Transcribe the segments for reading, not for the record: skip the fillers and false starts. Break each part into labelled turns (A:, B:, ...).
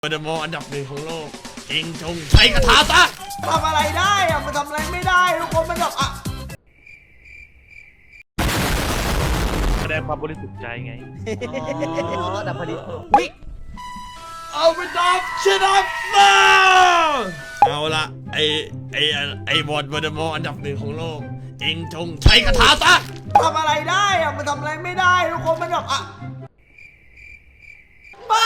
A: เดโมอันดับหนึ่งของโลกจริงจงใช้กระทาซะ
B: ทำอะไรได้อะมันทำอะไรไม่ได้ทุกคนมันแบบ
C: แสดงความบริสุทธิ์ใจไง
B: ดับพอดีวิ
A: เอาไปดับชนะมาเอาละไอบอลเดโมอันดับหนึ่งของโลกจริงจงใช้กระทาซะ
B: ทำอะไรได้อะมันทำอะไรไม่ได้ทุกคนมันแบบบ้า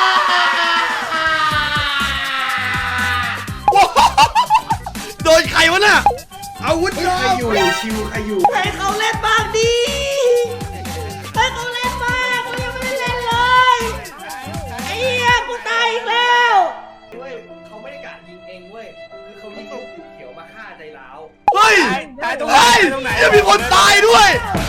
A: โดนใครวะน่ะอาวุธใครอยู่
B: ชิวใครอยู่ให้เขาเล่นบ้างดิให้เขาเล่นบ้างเขายังไม่ได้เล่นเลยไอ้เหี้ยกูตายอีกแล้วเว้ยเขาไม่ได้กะยิงเองเว้ยคือเขายิงลูกเขียวมาฆ่าใจร้าว
A: เฮ้ย
C: ตายตรงไหน
A: ยังมีคนตายด้วย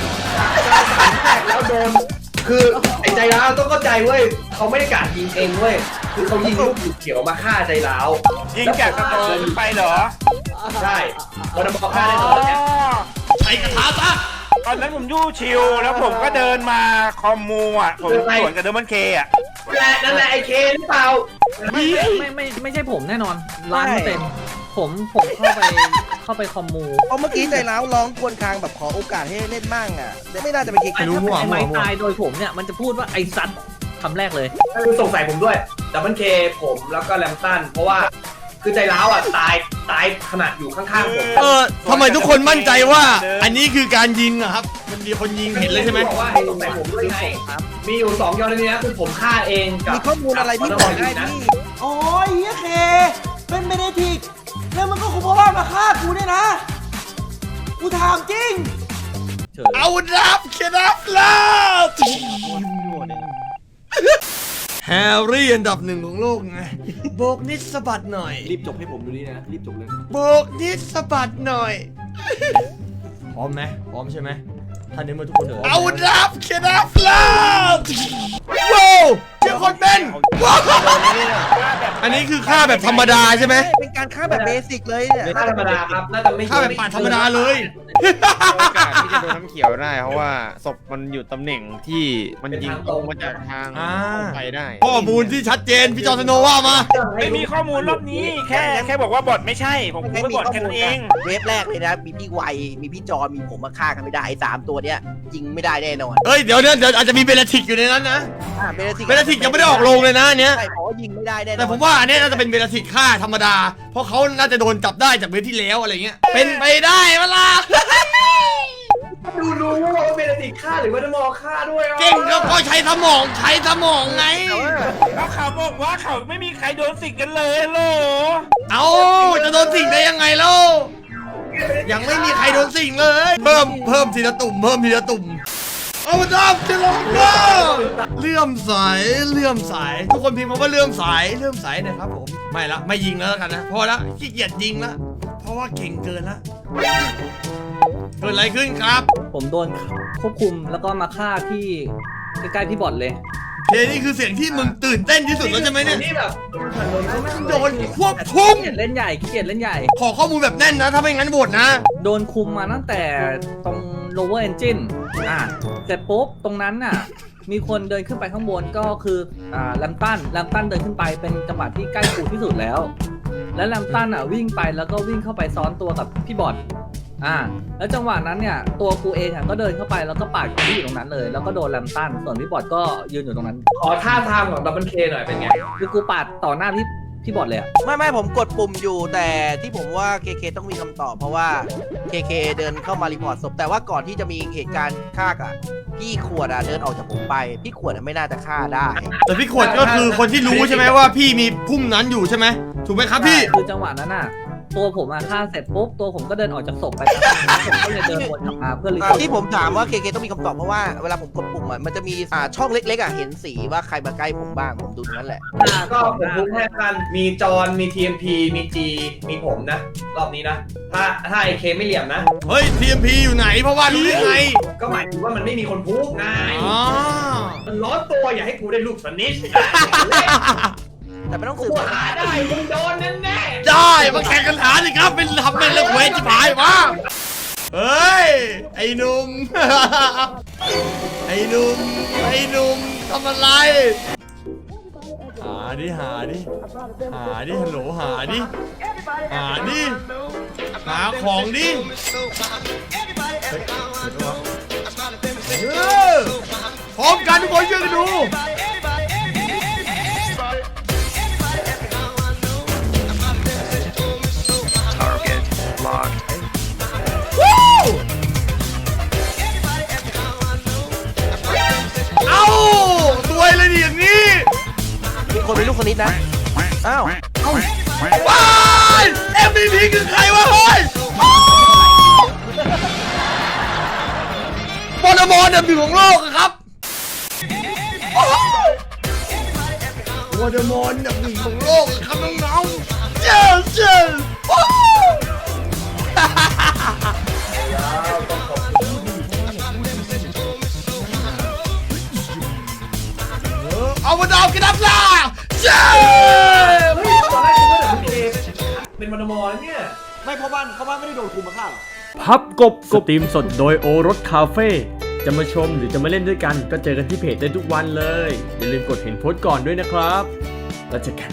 B: แล้วโดนคือไอ้ใจร้าวต้องเข้าใจเว้ยเขาไม่ได้กะยิงเองเว้ยคือเขายิงลูกเขียวมาฆ่าใจร้าว
C: ยิงจากกระโดดไปเหรอ
B: ใช่วันนั้นฆ่าได้ตอนนี้
A: ใช้กระทาซะ
C: ตอนนั้นผมยู่ชิวแล้วผมก็เดินมาคอมมูอ่ะผมสวนกับเดมอนเคอ่ะ
B: นั่นแหละไอเคหรือเปล่า
D: ไม่ใช่ผมแน่นอน1,000,000%ผมเข้าไปคอมมู
E: เพราะเมื่อกี้ใจร้าวร้องควนคางแบบขอโอกาสให้เล่นบ้างอ่ะไม่น่าจะเป็นเกม
D: ถ้าเป็นไอ้ไม้ตายโดยผมเนี่ยมันจะพูดว่าไอ้ซัดคำแรกเลย
B: คือสงสัยผมด้วยดับเบิลเคผมแล้วก็แลมตันเพราะว่าคือใจร้าวอ่ะตายขนาดอยู่ข้างๆผม
A: ทำไมทุกคนมั่นใจว่าอันนี้คือการยิงอะครับมันมีคนยิงเห็นเลยใช่ไหม
B: บอกว่าให้สงสัยผมด้วยไงมีอยู่2ยอดนี้นะคือผมฆ่าเอง
E: มีข้อมูลอะไรที่บอกได้พี่
B: โอ้ยเฮียเคเป็นเมเนทิกแล้วมันก็คุมว่ามาฆ่ากูเนี่ยนะกูถามจริง
A: เอาดับเคนับแล้วแฮร์รี่อันดับหนึ่งของโลกไงโบกนิดสะบัดหน่อย
B: รีบจบให้ผมดูนี่นะรีบจบเลย
A: โบกนิดสะบัดหน่อยพร้อมไหมพร้อมใช่ไหมท่านนี้มาทุกคนเอาดับเคนับแล้วว้าวเจ้าคนเป็นว้าวอันนี้คือฆ่าแบบธรรมดาใช่ไหม
E: เป็นการฆ่าแบบเบสิกเลยเนี่ย
B: ฆ่าธรรมดาครับน่าจะไม่
A: ฆ่าแบบปาดธรรมดาเลย
F: โอกาสที่จะโดนน้ำเขียวได้เพราะว่าศพมันอยู่ตำแหน่งที่มันยิงตรงมาจากทางไปได้
A: ข้อมูลที่ชัดเจนพี่จอร์สโนว่ามา
C: ไม่มีข้อมูลรอบนี้แค่บอกว่าบอทไม่ใช่ผมพูดบอทแค่นั้นเอง
E: เวฟแรกเลยนะมีพี่ไวมีพี่จอมีผมมาฆ่ากันไม่ได้ไอ้3ตัวเนี้ยยิงไม่ได้แน่นอน
A: เฮ้ยเดี๋ยวอาจจะมีเบลทิกอยู่ในนั้นนะเบลทิกยังไม่ได้ออกโรงเลยนะเนี้ย
E: ใช่เพราะยิงไม่ได้แน่
A: แต่ผมว่าอันนี้น่าจะเป็นเบลทิกฆ่าธรรมดาเพราะเขาน่าจะโดนจับได้จากเวฟที่แล้วอะไรเงี้ยเป็นไปได้เวลา
B: รู้ว่าเบลติกฆ่าหรือว่าจะมอฆ่าด้วย
A: เก่งก็ใช้สมองไง
C: แล้วเขาบอกว่าเขาไม่มีใครโดนสิงกันเลยโล
A: เอาจะโดนสิงได้ยังไงเล่ายังไม่มีใครโดนสิงเลยเพิ่มทีละตุ่มเอาดับจะลงก็เลื่อมใสทุกคนพิมพ์มาว่าเลื่อมใสนะครับผมไม่ยิงแล้วกันนะพอละขี้เกียจยิงละเพราะว่าเก่งเกินละเกิดอะไรขึ้นครับ
D: ผมโดนควบคุมแล้วก็มาฆ่าที่ใกล้ๆพี่บอทเลย
A: นี่คือเสียงที่มึงตื่นเต้นที่สุดแล้วใช่ไหมเนี่ย
B: นี่แบบ
A: โดนควบคุม
D: ขี้เกียจเล่นใหญ่
A: ขอข้อมูลแบบแน่นนะถ้าไม่งั้นโหวตนะ
D: โดนคุมมาตั้งแต่ตรง lower engine เสร็จปุ๊บตรงนั้นน่ะมีคนเดินขึ้นไปข้างบนก็คือแลมตันเดินขึ้นไปเป็นจังหวะที่ใกล้กูที่สุดแล้วและแลมตันวิ่งไปแล้วก็วิ่งเข้าไปซ้อนตัวกับพี่บอทแล้วจังหวะนั้นเนี่ยตัวกูเองก็เดินเข้าไปแล้วก็ปาดที่อยู่ตรงนั้นเลยแล้วก็โดนแลมตันส่วนพี่บอทก็ยืนอยู่ตรงนั้น
B: ขอท่าทางของดับเบิลเคหน่อยเป็นไง
D: คือกูปาดต่อหน้าพี่บอทเลย
E: ไม่ผมกดปุ่มอยู่แต่ที่ผมว่าเคต้องมีคำตอบเพราะว่าเคเดินเข้ามารีพอร์ตศพแต่ว่าก่อนที่จะมีเหตุการณ์ฆ่าพี่ขวดเดินออกจากผมไปพี่ขวดไม่น่าจะฆ่าได้
A: แต่พี่ขวดก็คือคนที่รู้ใช่ไหมว่าพี่มีพุ่มนั้นอยู่ใช่ไหมถูกไหมครับพี่
D: คือจังหวะนั้นตัวผมฆ่าเสร็จปุ๊บตัวผมก็เดินออกจากศพไปผมก็เลยเดินวนกลับมาเพื่อรีพอร์ต
E: ที่ผมถามว่าเคต้องมีคำตอบเพราะว่าเวลาผมกดปุ่มมันจะมีช่องเล็กๆเห็นสีว่าใครมาใกล้ผมบ้างผมดูนั่นแหละ
B: ก็ผมรู้แค่กันมีจอนมี TMP มีจีมีผมนะรอบนี้นะถ้าไอเคไม่เหลี่ยมนะ
A: เฮ้ย TMP อยู่ไหนเพราะว่ารู้ได้ไง
B: ก็หมายถึงว่ามันไม่มีคนพูดไงมันร้อนตัวอย่าให้กูได้ลูกสนิท
E: แต่ไม่ต้องสืบ
B: ได้มึงโดนแน่
A: ได้มาแข่งกันหาสิครับเป็นทำเป็นเรื่องเวทที่ผายมาเฮ้ยไอ้หนุ่มทำอะไรหาดิฮัลโหลหาดิหาของดิพร้อมกันทุกคนช่วยกันดูเอ้าตัวยเลยดิอย่างนี้
E: มีคนเป็นลูกคณิตนะ อ้าว
A: ว้าย MVP คือใครวะเฮ้ยบอลบอลอันดับหนึ่งของโลกอะครับบอลบอลอันดับหนึ่งของโลกอะครับน้องๆเจ้าเอามาดาวกันดับล่ะเจ้
B: ตอนแรกคิดว่าเดี๋ยวคุณเคเป็นมนมเนี่ยไม่เพราะบ้านไม่ได้โดนคุมมาฆ่าหรอ
G: พับกบสตรีมสดโดยโอรสคาเฟ่จะมาชมหรือจะมาเล่นด้วยกันก็เจอกันที่เพจได้ทุกวันเลย อย่าลืมกดเห็นโพสต์ก่อนด้วยนะครับแล้วเจอกัน